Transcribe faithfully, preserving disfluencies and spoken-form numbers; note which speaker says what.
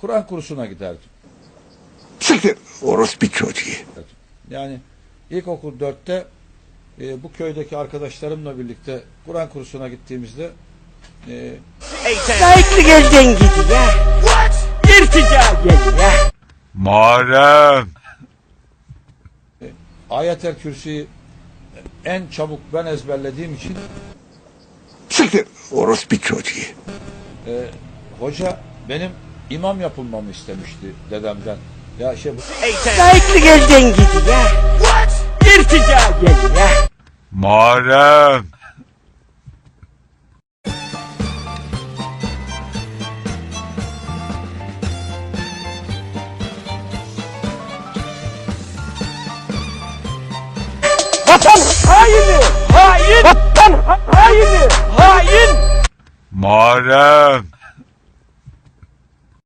Speaker 1: Kur'an kursuna giderdim.
Speaker 2: Siktir orospu çocuğu.
Speaker 1: Yani ilkokul dörtte e, bu köydeki arkadaşlarımla birlikte Kur'an kursuna gittiğimizde e,
Speaker 3: Layıklı gözden gidiyor. İrtica geliyor.
Speaker 4: Muharrem.
Speaker 1: Ayet-el Kürsi'yi en çabuk ben ezberlediğim için
Speaker 2: Siktir orospu çocuğu.
Speaker 1: e, hoca benim imam yapılmamı istemişti dedemden. Ya şey bu
Speaker 3: Layıklı gözden gidiyor. İrtica geliyor.
Speaker 4: Muharrem.
Speaker 3: Vatan haini. Hain. Vatan haini. Hain.
Speaker 4: Muharrem.